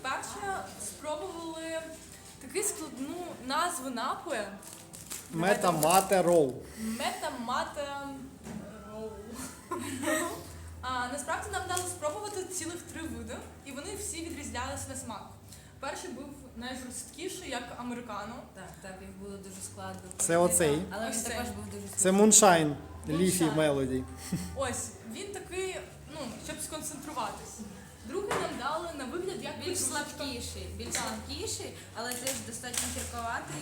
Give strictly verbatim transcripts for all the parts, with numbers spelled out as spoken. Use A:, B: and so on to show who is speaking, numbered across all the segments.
A: по-перше, спробували таку складну назву напою.
B: Мета мате рол.
A: Мета мате роу. А насправді нам дали спробувати цілих три види, і вони всі відрізнялися на смак. Перший був найжорсткіший, як американо.
C: Так, так, їх було дуже складно.
B: Це оцей.
C: Але
A: Ось
C: він
A: цей.
C: також був дуже
B: Це
C: смачний.
B: Moonshine Leafy
A: Moonshine.
B: Melody.
A: Ось, він такий, ну, щоб сконцентруватись. Другий нам дали на вигляд як
C: Більш
A: петрушка.
C: слабкіший, більш
A: Так.
C: слабкіший, але теж достатньо гірковатий.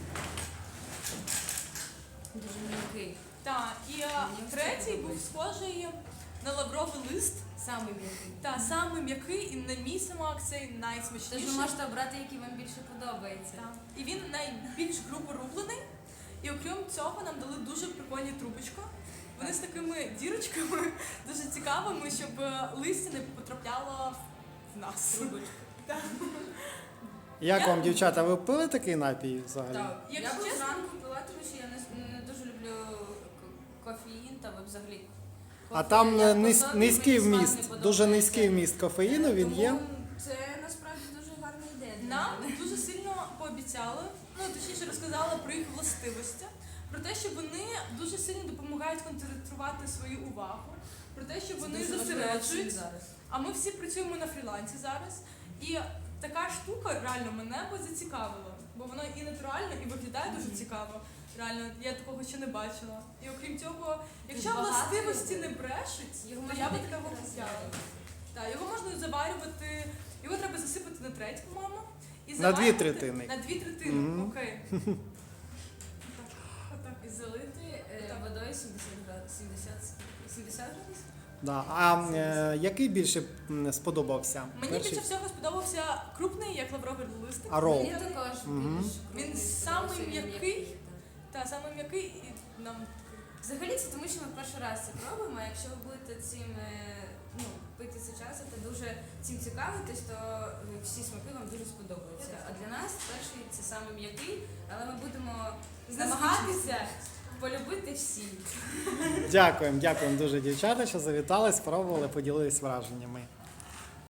C: Дуже м'який.
A: Так, і а,
C: Мені
A: третій
C: все
A: був
C: подобається.
A: схожий на лавровий лист.
C: Самий м'який.
A: Та самий м'який і на мій смак цей
C: Тож
A: найсмачніший.
C: ви можете обрати, який вам більше подобається.
A: Так. І він найбільш грубо рублений. І окрім цього нам дали дуже прикольні трубочки. Вони з такими дірочками дуже цікавими, щоб е, листя не потрапляло в нас.
C: Трубочка.
A: Так.
B: Як
A: Я-
B: вам, дівчата, ви пили такий напій взагалі?
C: Так, я
A: Якщо
C: б
A: чесно-
C: зранку пила, тому що я не, не дуже люблю к- кофеїн та взагалі.
B: А
C: кофе
B: там
C: як
B: низ-
C: посол,
B: низький
C: мені смак
B: вміст,
C: не
B: дуже
C: подобається.
B: низький вміст кофеїну він
C: Тому
B: є.
C: Це насправді дуже гарна ідея. для
A: Нам
C: мене.
A: дуже сильно пообіцяли, ну точніше розказали про їх властивості, про те, що вони дуже сильно допомагають концентрувати свою увагу, про те, що
C: Це
A: вони
C: дуже важливо
A: зосереджують.
C: всім зараз.
A: А ми всі працюємо на фрілансі зараз. І така штука реально мене би зацікавила, бо воно і натурально, і виглядає дуже цікаво. Реально, я такого ще не бачила. І окрім цього, якщо
C: багато
A: властивості
C: людей.
A: не брешуть,
C: Його
A: то
C: можна
A: я би
C: декілька
A: такого
C: разів
A: взяла.
C: заварити.
A: Так, його можна заварювати, його треба засипати на треть, по-моєму. І
B: На
A: заварювати-
B: дві третини.
A: На дві третини,
B: Мгм.
A: окей. Отак, отак.
C: І залити е,
A: Так.
C: водою сімдесят градусів. сімдесят, сімдесят градусів?
B: Да. А е, який більше м, сподобався?
A: Мені
B: Перший?
A: більше всього сподобався крупний, як лавровий листик.
B: А рол?
C: Мені також
B: Мгм.
C: більш
A: Він
C: крупний
A: самий
C: сподобався, він
A: м'який.
C: так.
A: Та саме м'який і нам
C: Взагалі це тому, що ми перший раз це пробуємо, а якщо ви будете цим е, ну, пити це часом та дуже цим цікавитись, то е, всі смаки вам дуже сподобаються. А для нас перший це саме м'який, але ми будемо намагатися полюбити всі.
B: Дякуємо, дякуємо дуже, дівчата, що завітали, спробували, поділились враженнями.